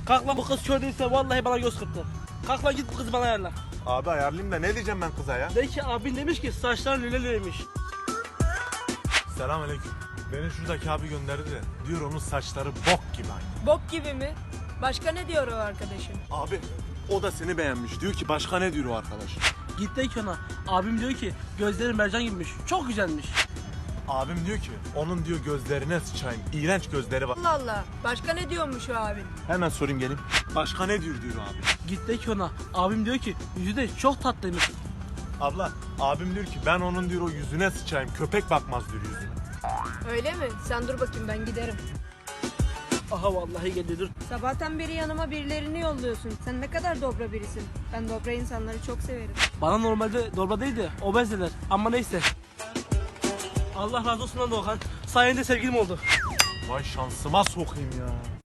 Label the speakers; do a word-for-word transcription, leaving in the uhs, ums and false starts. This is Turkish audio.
Speaker 1: Kalk lan, bu kız kör değilse vallahi bana göz kırptı. Kalk lan, git bu kızı bana ayarla.
Speaker 2: Abi ayarlayayım da ne diyeceğim ben kıza ya?
Speaker 1: De ki abin demiş ki saçların lüleliymiş.
Speaker 2: Selamünaleyküm. Beni şuradaki abi gönderdi de diyor onun saçları bok gibi aynı.
Speaker 3: Bok gibi mi? Başka ne diyor o arkadaşın?
Speaker 2: Abi o da seni beğenmiş. Diyor ki başka ne diyor o arkadaş?
Speaker 1: Git de ki ona. Abim diyor ki gözleri mercan gibiymiş. Çok güzelmiş.
Speaker 2: Abim diyor ki onun diyor gözlerine sıçayım. İğrenç gözleri var.
Speaker 3: Allah Allah. Başka ne diyormuş o abin?
Speaker 2: Hemen sorayım geleyim. Başka ne diyor diyor abi.
Speaker 1: Git de ki ona. Abim diyor ki yüzü de çok tatlıymış.
Speaker 2: Abla abim diyor ki ben onun diyor o yüzüne sıçayım. Köpek bakmaz diyor yüzüne.
Speaker 3: Öyle mi? Sen dur bakayım, ben giderim.
Speaker 1: Aha vallahi geldi, dur.
Speaker 3: Sabahtan beri yanıma birilerini yolluyorsun. Sen ne kadar dobra birisin. Ben dobra insanları çok severim.
Speaker 1: Bana normalde dorba değil de obez dediler. Ama neyse. Allah razı olsun lan Doğukan. Sayende sevgilim oldu.
Speaker 2: Vay şansıma sokayım ya.